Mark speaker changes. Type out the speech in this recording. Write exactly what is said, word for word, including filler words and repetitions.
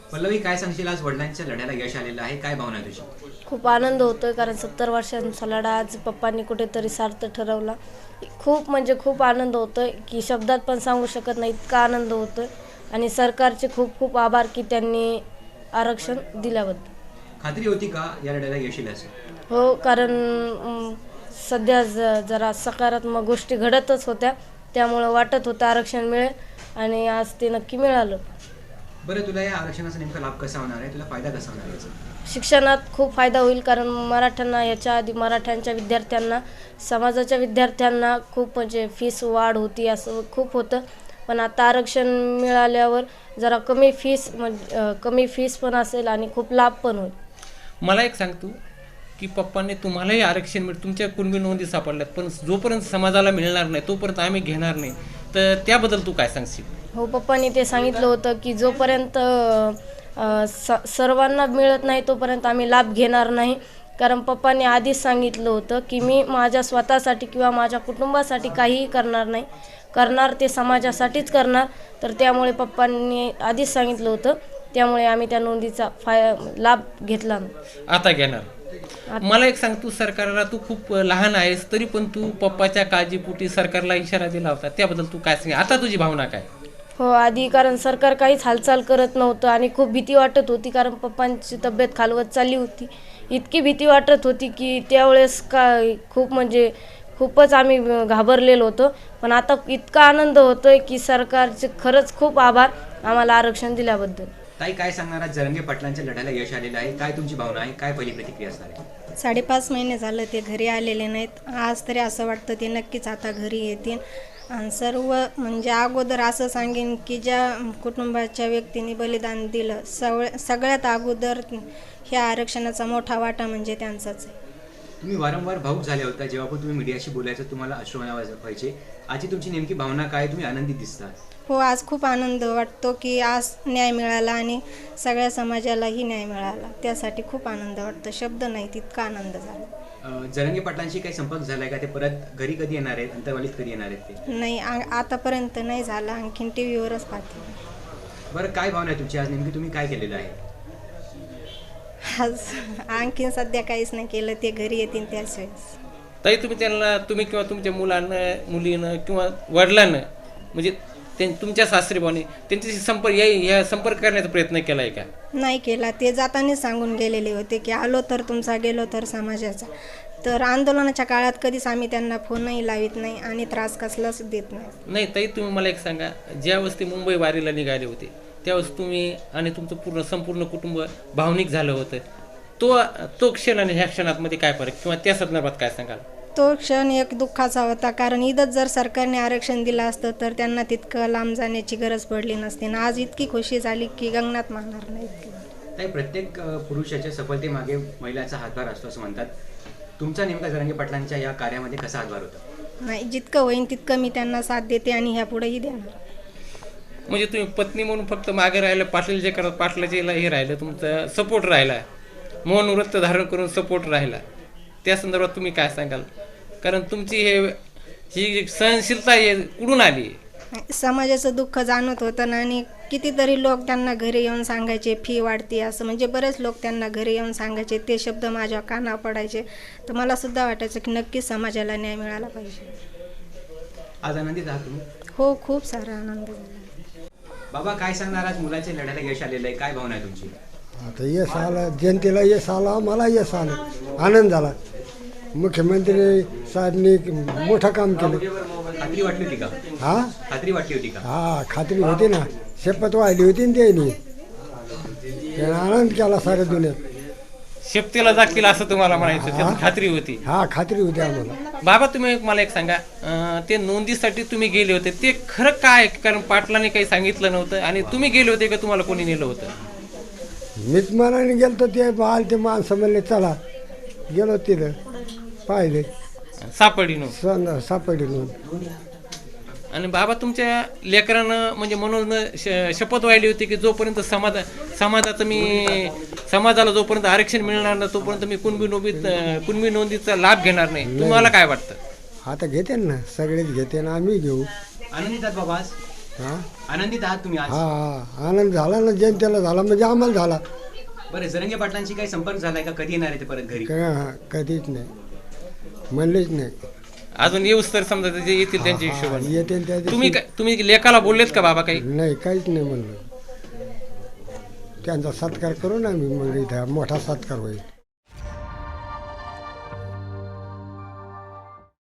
Speaker 1: पल्लवी, काय सांगशील? आज वडिलांच्या लढ्याला यश आलेलं आहे, काय भावना आहे तुझी?
Speaker 2: खूप आनंद होतोय कारण सत्तर वर्षांचा लढा आज पप्पांनी कुठेतरी सार्थ ठरवला. खूप म्हणजे खूप आनंद होतोय की शब्दात पण सांगू शकत नाही, इतका आनंद होतोय. आणि सरकारचे खूप खूप आभार की त्यांनी आरक्षण दिल्याबद्दल.
Speaker 1: खात्री होती का या लढ्याला यश येईल असं?
Speaker 2: हो, कारण अं, सध्या ज जरा सकारात्मक गोष्टी घडतच होत्या, त्यामुळं वाटत होतं आरक्षण मिळेल आणि आज ते नक्की मिळालं.
Speaker 1: बरं, तुला या आरक्षणाचा नेमका लाभ कसा होणार आहे? तुला फायदा कसा होणार आहे याचा?
Speaker 2: शिक्षणात खूप फायदा होईल कारण मराठ्यांना याच्या आधी मराठ्यांच्या विद्यार्थ्यांना समाजाच्या विद्यार्थ्यांना खूप म्हणजे फीस वाढ होती असं खूप होतं. पण आता आरक्षण मिळाल्यावर जरा कमी फीस म्हणजे कमी फीस पण असेल आणि खूप लाभ पण होईल.
Speaker 3: मला एक सांग तू की पप्पांनी तुम्हालाही आरक्षण मिळ तुमच्या कुणबी नोंदी सापडल्यात, पण जोपर्यंत समाजाला मिळणार नाही तोपर्यंत आम्ही घेणार नाही, तर त्याबद्दल तू काय सांगशील?
Speaker 2: हो, पप्पांनी ते सांगितलं होतं की जोपर्यंत अ, स सर्वांना मिळत नाही तोपर्यंत आम्ही लाभ घेणार नाही. कारण पप्पांनी आधीच सांगितलं होतं की मी माझ्या स्वतःसाठी किंवा माझ्या कुटुंबासाठी काहीही करणार नाही, करणार ते समाजासाठीच करणार. तर त्यामुळे पप्पांनी आधीच सांगितलं होतं, त्यामुळे आम्ही त्या नोंदीचा फाय लाभ घेतला नाही.
Speaker 3: आता घेणार. मला एक सांग, तू सरकारला तू खूप लहान आहेस तरी पण तू पप्पाच्या काळजीपोटी सरकारला इशारा दिला होता, त्याबद्दल तू काय सांग? आता तुझी भावना काय?
Speaker 2: हो, आधी कारण सरकार काहीच हालचाल करत नव्हतं आणि खूप भीती वाटत होती कारण पप्पांची तब्येत खालवत चालली होती. इतकी भीती वाटत होती की त्यावेळेस काय खूप म्हणजे खूपच आम्ही घाबरलेलो होतो. पण आता इतका आनंद होतोय की सरकारचे खरंच खूप आभार आम्हाला आरक्षण दिल्याबद्दल.
Speaker 1: ताई, काय सांगणार? आज जरंगे पाटलांच्या लढ्याला यश आलेलं आहे, काय तुमची भावना आहे? काय पहिली प्रतिक्रिया असणार आहे?
Speaker 4: साडेपाच महिने झालं ते घरी आलेले नाहीत. आज तरी असं वाटतं ते नक्कीच आता घरी येतील. आणि सर्व म्हणजे अगोदर असं सांगेन की ज्या कुटुंबाच्या व्यक्तीने बलिदान दिलं सव सगळ्यात अगोदर ह्या आरक्षणाचा मोठा वाटा म्हणजे त्यांचाच आहे.
Speaker 1: तुम्ही वारंवार भाऊक झाले होता जेव्हा पण तुम्ही मीडियाशी बोलायचं, तुम्हाला अश्रू व्हायचे. आजची तुमची नेमकी भावना काय? तुम्ही आनंदित दिसता.
Speaker 4: हो, आज खूप आनंद वाटतो की आज न्याय मिळाला आणि सगळ्या समाजालाही न्याय मिळाला, त्यासाठी खूप आनंद वाटतो. शब्द नाही तितका आनंद झाला.
Speaker 1: जरंगे पाटलांशी काही संपर्क झालाय का? ते परत घरी कधी येणार आहेत? अंतरवालीत कधी येणार आहेत ते?
Speaker 4: नाही, आ- आतापर्यंत नाही झाला, आणखीन टी व्हीवरच पाहते.
Speaker 1: बरं, काय भावना आहे तुमची? आज नेमकी तुम्ही काय केलेलं आहे?
Speaker 4: आज आणखीन सध्या काहीच नाही केलं, ते घरी येतील त्याच वेळेस.
Speaker 3: ताई, तुम्ही त्यांना तुम्ही किंवा तुमच्या मुलांना मुलीनं किंवा वडिलांना म्हणजे ते तुमच्या सासरीबाने त्यांच्याशी संपर्क या या संपर्क करण्याचा प्रयत्न केला आहे का?
Speaker 4: नाही केला. ते जातानाच सांगून गेलेले होते की आलो तर तुमचा, गेलो तर समाजाचा. तर आंदोलनाच्या काळात कधीच आम्ही त्यांना फोनही लावित नाही आणि त्रास कसलाच देत नाही.
Speaker 3: नाही ताई, तुम्ही मला एक सांगा, ज्यावेळेस ते मुंबई वारीला निघाले होते त्यावेळेस तुम्ही आणि तुमचं पूर्ण संपूर्ण कुटुंब भावनिक झालं होतं, तो तो क्षण आणि ह्या क्षणामध्ये काय फरक किंवा त्या संदर्भात काय सांगाल?
Speaker 4: तो क्षण एक दुःखाचा होता कारण इथंच जर सरकारने आरक्षण दिलं असतं तर त्यांना तितकं लांब जाण्याची गरज पडली नसती. आणि आज इतकी खुशी झाली की गगनात मारणार नाही.
Speaker 1: ताई, प्रत्येक अ, पुरुषाच्या सफलतेमागे महिलाचा हातभार असतो असं म्हणतात. तुमचा नेमका जरंगे पाटलांच्या या कार्यामध्ये कसा हातभार होता?
Speaker 4: नाही, जितकं होईन तितकं मी त्यांना साथ देते आणि ह्या पुढेही देणार.
Speaker 3: म्हणजे तुम्ही पत्नी म्हणून फक्त मागे राहिलं, पाटील जे करत पाटलाचे हे राहिलं, तुमचा सपोर्ट राहिला, मौन व्रत धारण करून सपोर्ट राहिला, त्या संदर्भात तुम्ही काय सांगाल? कारण तुमची हे ही सहनशीलता हे कुठून आली?
Speaker 4: समाजाचं दुःख जाणवत होतं ना, आणि कितीतरी लोक त्यांना घरी येऊन सांगायचे फी वाढते असं, म्हणजे बरेच लोक त्यांना घरी येऊन सांगायचे, ते शब्द माझ्या काना पडायचे. तर मला सुद्धा वाटायचं की नक्कीच समाजाला न्याय मिळाला पाहिजे.
Speaker 1: आज आनंदित आहात तुम्ही?
Speaker 4: हो, खूप सारा आनंद झाला.
Speaker 1: बाबा, काय सांगणार? आज मुलाच्या लढ्याला यश आलेलं आहे, काय भावना आहे तुमची?
Speaker 5: आता यश आलं, जनतेला यश आला, मला यश आलं, आनंद झाला. मुख्यमंत्री साहेबांनी मोठं काम केलं.
Speaker 1: खात्री वाटली होती का?
Speaker 5: हा
Speaker 1: खात्री वाटली होती का?
Speaker 5: हा खात्री होती ना, शपथ वाहिली होती ना त्यांनी, त्याने आनंद केला साऱ्या दुनियेत.
Speaker 3: शेपटीला जातील असं तुम्हाला म्हणायचं, त्याची खात्री होती?
Speaker 5: हा, खात्री होती आम्हाला.
Speaker 3: बाबा, तुम्ही एक मला एक सांगा, अं, ते नोंदीसाठी तुम्ही गेले होते ते खरं काय? कारण पाटलाने काही सांगितलं नव्हतं आणि तुम्ही गेले होते का तुम्हाला कोणी नेलं होतं?
Speaker 5: मीच मनाने गेलो ते बाल ते माणसं म्हणले चला, गेलो तिथं पाहिले,
Speaker 3: सापडी नव्हतं.
Speaker 5: सण सापडली नोंद.
Speaker 3: आणि बाबा, तुमच्या लेकरानं म्हणजे म्हणून श- शपथ वाहिली होती की जोपर्यंत समाज समाजाचं मी समाजाला जोपर्यंत आरक्षण मिळणार नाही तोपर्यंत मी कुणबी नोंदीत कुणबी नोंदीचा लाभ घेणार नाही. तुम्हाला काय वाटतं?
Speaker 5: आता घेते ना, सगळेच घेते ना, आम्ही घेऊ.
Speaker 1: आनंदित आहात बाबा आज?
Speaker 5: हा
Speaker 1: आनंदित आहात तुम्ही आज?
Speaker 5: हा हा आनंद झाला ना, जनतेला झाला म्हणजे आम्हाला झाला.
Speaker 1: बरं, जरांगे पाटलांशी काही संपर्क झालाय का? कधी येणार आहे ते परत घरी?
Speaker 5: क- कधीच नाही, म्हणलेच नाही.
Speaker 3: अजून येऊस तर समजा ते जे येतील त्यांच्या
Speaker 5: हा,
Speaker 3: हिशोबाने.
Speaker 5: येते त्या दिवशी-
Speaker 3: तुम्ही काय तुम्ही लेखाला बोललेत का बाबा काही?
Speaker 5: नाही, काहीच नाही म्हणलं. त्यांचा सत्कार करू ना आम्ही, मग इथं मोठा सत्कार होईल.